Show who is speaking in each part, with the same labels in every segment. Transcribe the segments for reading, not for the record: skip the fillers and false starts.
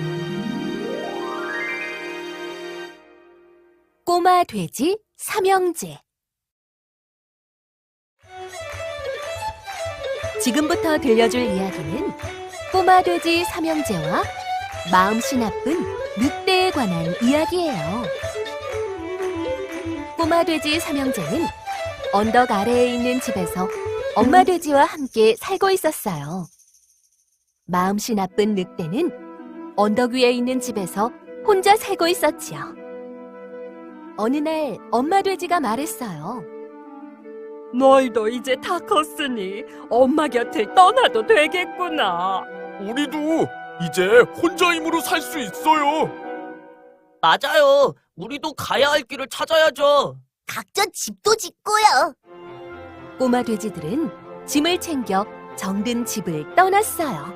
Speaker 1: 꼬마 돼지 삼형제. 지금부터 들려줄 이야기는 꼬마 돼지 삼형제와 마음씨 나쁜 늑대에 관한 이야기예요. 꼬마 돼지 삼형제는 언덕 아래에 있는 집에서 엄마 돼지와 함께 살고 있었어요. 마음씨 나쁜 늑대는 언덕 위에 있는 집에서 혼자 살고 있었지요. 어느 날 엄마 돼지가 말했어요.
Speaker 2: 너희도 이제 다 컸으니 엄마 곁을 떠나도 되겠구나.
Speaker 3: 우리도 이제 혼자 힘으로 살 수 있어요.
Speaker 4: 맞아요. 우리도 가야 할 길을 찾아야죠.
Speaker 5: 각자 집도 짓고요.
Speaker 1: 꼬마 돼지들은 짐을 챙겨 정든 집을 떠났어요.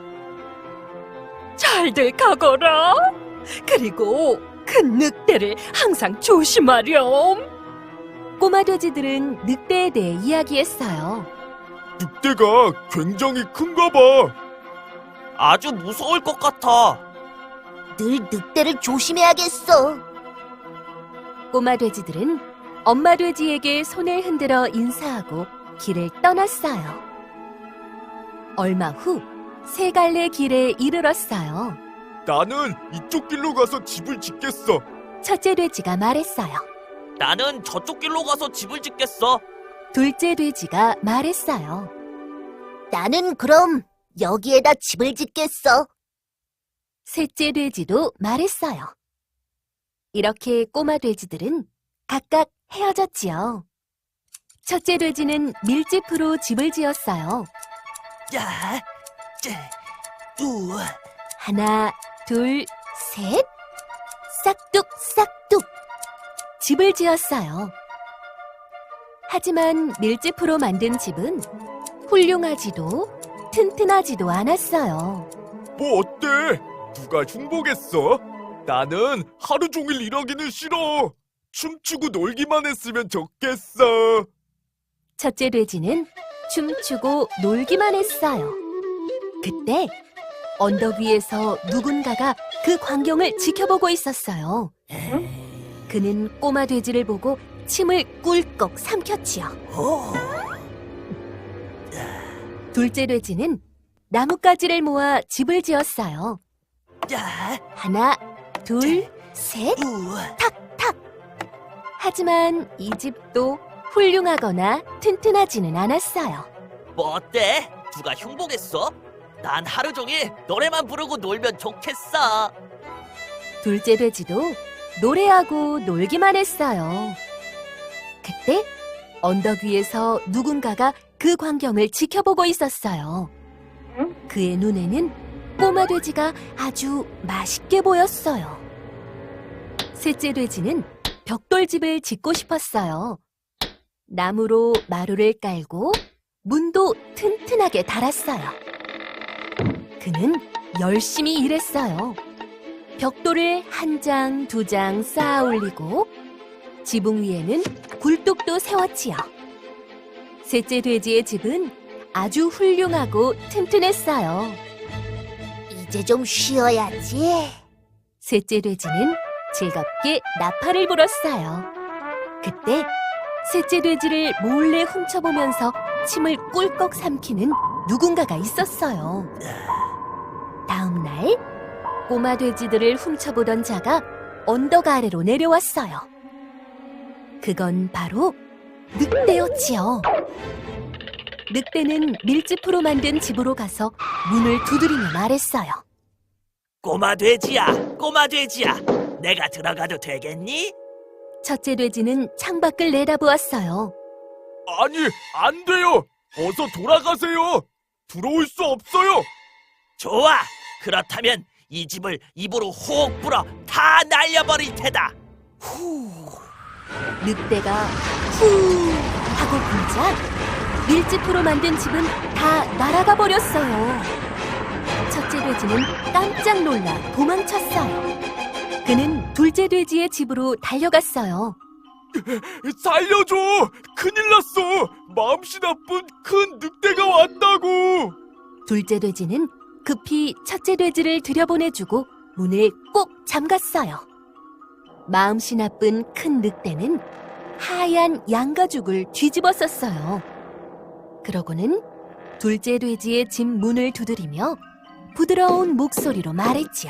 Speaker 2: 잘들 가거라. 그리고 큰 늑대를 항상 조심하렴.
Speaker 1: 꼬마 돼지들은 늑대에 대해 이야기했어요.
Speaker 3: 늑대가 굉장히 큰가 봐.
Speaker 4: 아주 무서울 것 같아.
Speaker 5: 늘 늑대를 조심해야겠어.
Speaker 1: 꼬마 돼지들은 엄마 돼지에게 손을 흔들어 인사하고 길을 떠났어요. 얼마 후 세 갈래 길에 이르렀어요.
Speaker 3: 나는 이쪽 길로 가서 집을 짓겠어.
Speaker 1: 첫째 돼지가 말했어요.
Speaker 4: 나는 저쪽 길로 가서 집을 짓겠어.
Speaker 1: 둘째 돼지가 말했어요.
Speaker 5: 나는 그럼 여기에다 집을 짓겠어.
Speaker 1: 셋째 돼지도 말했어요. 이렇게 꼬마 돼지들은 각각 헤어졌지요. 첫째 돼지는 밀짚으로 집을 지었어요.
Speaker 4: 야,
Speaker 1: 하나, 둘, 셋. 싹둑. 집을 지었어요. 하지만 밀짚으로 만든 집은 훌륭하지도 튼튼하지도 않았어요.
Speaker 3: 뭐 어때? 누가 흉보겠어? 나는 하루 종일 일하기는 싫어. 춤추고 놀기만 했으면 좋겠어.
Speaker 1: 첫째 돼지는 춤추고 놀기만 했어요. 그때 언덕 위에서 누군가가 그 광경을 지켜보고 있었어요. 그는 꼬마 돼지를 보고 침을 꿀꺽 삼켰지요. 둘째 돼지는 나뭇가지를 모아 집을 지었어요. 하나, 둘, 셋, 탁. 하지만 이 집도 훌륭하거나 튼튼하지는 않았어요.
Speaker 4: 뭐 어때? 누가 흉보겠어? 난 하루 종일 노래만 부르고 놀면 좋겠어.
Speaker 1: 둘째 돼지도 노래하고 놀기만 했어요. 그때 언덕 위에서 누군가가 그 광경을 지켜보고 있었어요. 그의 눈에는 꼬마 돼지가 아주 맛있게 보였어요. 셋째 돼지는 벽돌집을 짓고 싶었어요. 나무로 마루를 깔고 문도 튼튼하게 달았어요. 그는 열심히 일했어요. 벽돌을 한 장, 두 장 쌓아 올리고 지붕 위에는 굴뚝도 세웠지요. 셋째 돼지의 집은 아주 훌륭하고 튼튼했어요.
Speaker 5: 이제 좀 쉬어야지.
Speaker 1: 셋째 돼지는 즐겁게 나팔을 불었어요. 그때 셋째 돼지를 몰래 훔쳐보면서 침을 꿀꺽 삼키는 누군가가 있었어요. 다음 날 꼬마 돼지들을 훔쳐보던 자가 언덕 아래로 내려왔어요. 그건 바로 늑대였지요. 늑대는 밀짚으로 만든 집으로 가서 문을 두드리며 말했어요.
Speaker 4: 꼬마 돼지야. 내가 들어가도 되겠니?
Speaker 1: 첫째 돼지는 창밖을 내다보았어요.
Speaker 3: 아니, 안 돼요. 어서 돌아가세요. 들어올 수 없어요.
Speaker 4: 좋아. 그렇다면 이 집을 입으로 호흡 불어 다 날려버릴 테다.
Speaker 1: 늑대가 후 하고 불자 밀짚으로 만든 집은 다 날아가 버렸어요. 첫째 돼지는 깜짝 놀라 도망쳤어요. 그는 둘째 돼지의 집으로 달려갔어요.
Speaker 3: 살려줘! 큰일 났어! 마음씨 나쁜 큰 늑대가 왔다고!
Speaker 1: 둘째 돼지는 급히 첫째 돼지를 들여보내주고 문을 꼭 잠갔어요. 마음씨 나쁜 큰 늑대는 하얀 양가죽을 뒤집어 썼어요. 그러고는 둘째 돼지의 집 문을 두드리며 부드러운 목소리로 말했지요.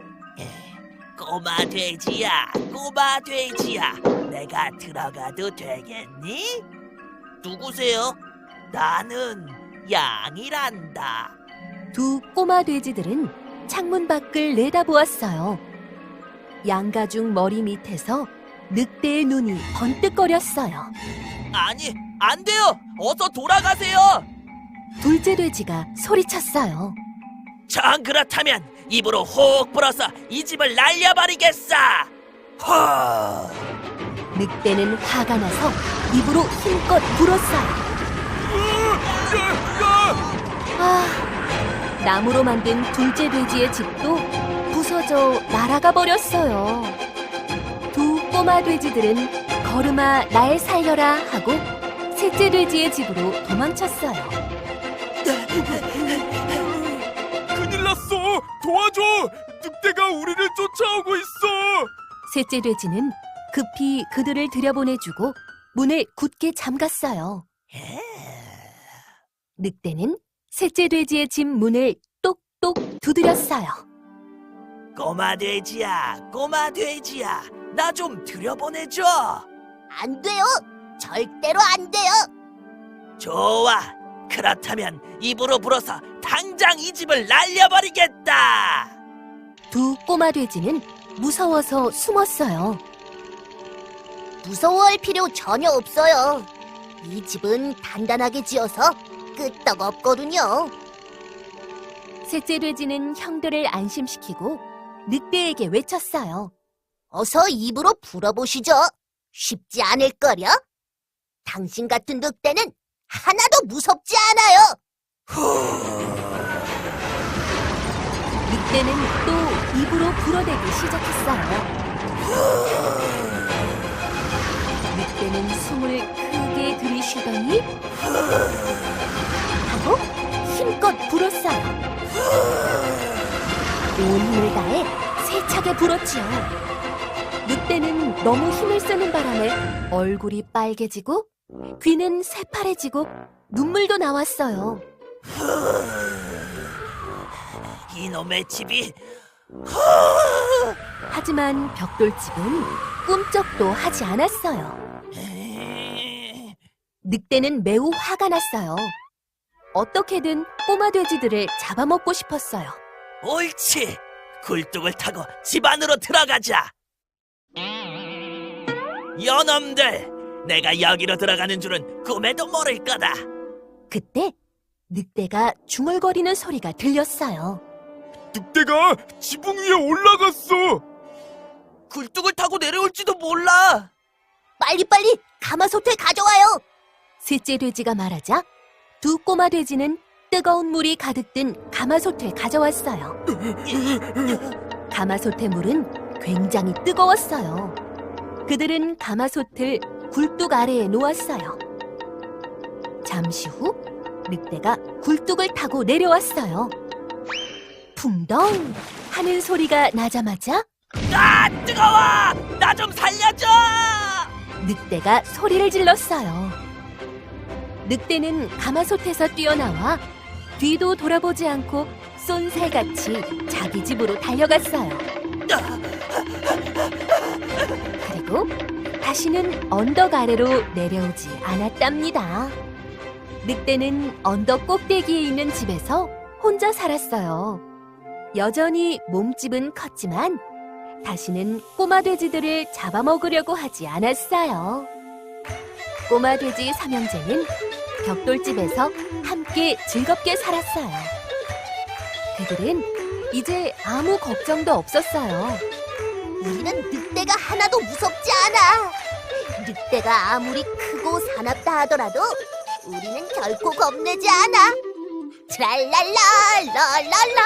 Speaker 4: 꼬마 돼지야, 꼬마 돼지야, 내가 들어가도 되겠니? 누구세요? 나는 양이란다.
Speaker 1: 두 꼬마 돼지들은 창문 밖을 내다보았어요. 양가죽 머리 밑에서 늑대의 눈이 번뜩거렸어요.
Speaker 4: 아니, 안 돼요! 어서 돌아가세요!
Speaker 1: 둘째 돼지가 소리쳤어요.
Speaker 4: 정 그렇다면 입으로 혹 불어서 이 집을 날려버리겠어! 호!
Speaker 1: 늑대는 화가 나서 입으로 힘껏 불었어요. 아, 나무로 만든 둘째 돼지의 집도 부서져 날아가 버렸어요. 두 꼬마 돼지들은 걸음아 날 살려라 하고 셋째 돼지의 집으로 도망쳤어요.
Speaker 3: 큰일 났어! 도와줘! 늑대가 우리를 쫓아오고 있어!
Speaker 1: 셋째 돼지는 급히 그들을 들여보내주고 문을 굳게 잠갔어요. 늑대는 셋째 돼지의 집 문을 똑똑 두드렸어요.
Speaker 4: 꼬마 돼지야, 꼬마 돼지야, 나 좀 들여보내줘.
Speaker 5: 안 돼요. 절대로 안 돼요.
Speaker 4: 좋아. 그렇다면 입으로 불어서 당장 이 집을 날려버리겠다.
Speaker 1: 두 꼬마 돼지는 무서워서 숨었어요.
Speaker 5: 무서워할 필요 전혀 없어요. 이 집은 단단하게 지어서 끄떡없거든요.
Speaker 1: 셋째 돼지는 형들을 안심시키고 늑대에게 외쳤어요.
Speaker 5: 어서 입으로 불어보시죠. 쉽지 않을걸요? 당신 같은 늑대는 하나도 무섭지 않아요.
Speaker 1: 늑대는 또 입으로 불어대기 시작했어요. 늑대는 숨을 크게 들이쉬더니 하고 힘껏 불었어요. 온 힘을 다해 세차게 불었지요. 늑대는 너무 힘을 쓰는 바람에 얼굴이 빨개지고 귀는 새파래지고 눈물도 나왔어요.
Speaker 4: 이놈의 집이
Speaker 1: 하지만 벽돌집은 꿈쩍도 하지 않았어요. 늑대는 매우 화가 났어요. 어떻게든 꼬마 돼지들을 잡아먹고 싶었어요.
Speaker 4: 옳지. 굴뚝을 타고 집 안으로 들어가자. 여놈들, 내가 여기로 들어가는 줄은 꿈에도 모를 거다.
Speaker 1: 그때 늑대가 중얼거리는 소리가 들렸어요.
Speaker 3: 늑대가 지붕 위에 올라갔어!
Speaker 4: 굴뚝을 타고 내려올지도 몰라.
Speaker 5: 빨리빨리 가마솥을 가져와요.
Speaker 1: 셋째 돼지가 말하자 두 꼬마 돼지는 뜨거운 물이 가득 든 가마솥을 가져왔어요. 가마솥의 물은 굉장히 뜨거웠어요. 그들은 가마솥을 굴뚝 아래에 놓았어요. 잠시 후 늑대가 굴뚝을 타고 내려왔어요. 풍덩 하는 소리가 나자마자
Speaker 4: 아, 뜨거워! 나 좀 살려줘!
Speaker 1: 늑대가 소리를 질렀어요. 늑대는 가마솥에서 뛰어나와 뒤도 돌아보지 않고 쏜살같이 자기 집으로 달려갔어요. 그리고 다시는 언덕 아래로 내려오지 않았답니다. 늑대는 언덕 꼭대기에 있는 집에서 혼자 살았어요. 여전히 몸집은 컸지만 다시는 꼬마 돼지들을 잡아먹으려고 하지 않았어요. 꼬마 돼지 삼형제는 벽돌집에서 함께 즐겁게 살았어요. 그들은 이제 아무 걱정도 없었어요.
Speaker 5: 우리는 늑대가 하나도 무섭지 않아. 늑대가 아무리 크고 사납다 하더라도 우리는 결코 겁내지 않아. 트랄랄라 랄랄라